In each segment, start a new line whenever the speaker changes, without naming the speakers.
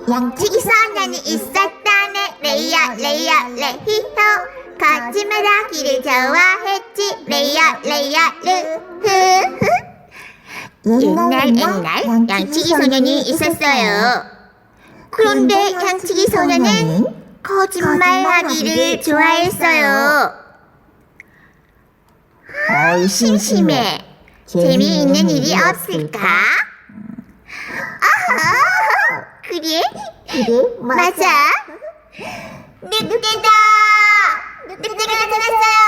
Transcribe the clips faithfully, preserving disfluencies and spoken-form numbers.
양치기 소년이 있었다네. 레이어 레이어 레히호. 거짓말하기를 좋아했지. 레이어 레이어 르흐흐. 옛날 옛날 양치기 소년이 있었어요. 그런데 양치기 소년은 거짓말하기를 좋아했어요. 아, 심심해. 재미있는 일이 없을까? 아하, 그래? 그래? 맞아. 늑대다! 늑대가 나타났어요!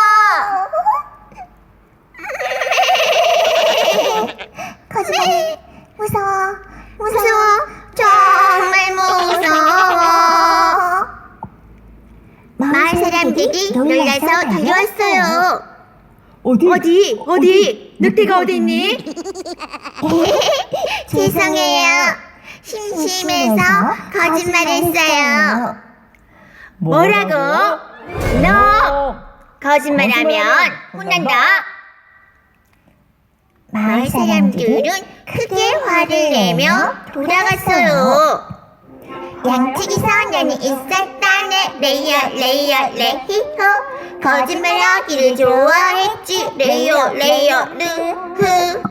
거짓말, 무서워, 무서워, 정말 무서워. 마을 사람들이 놀라서 달려왔어요.
어디?
어디? 어디? 늑대가 어디 있니?
죄송해요. 심심해서 거짓말했어요.
뭐라고? 너 거짓말하면 혼난다.
마을 사람들은 크게 화를 내며 돌아갔어요. 양치기 소년이 있었다네. 레이어 레이어 레히호. 거짓말하기를 좋아했지. 레이어 레이어 르흐.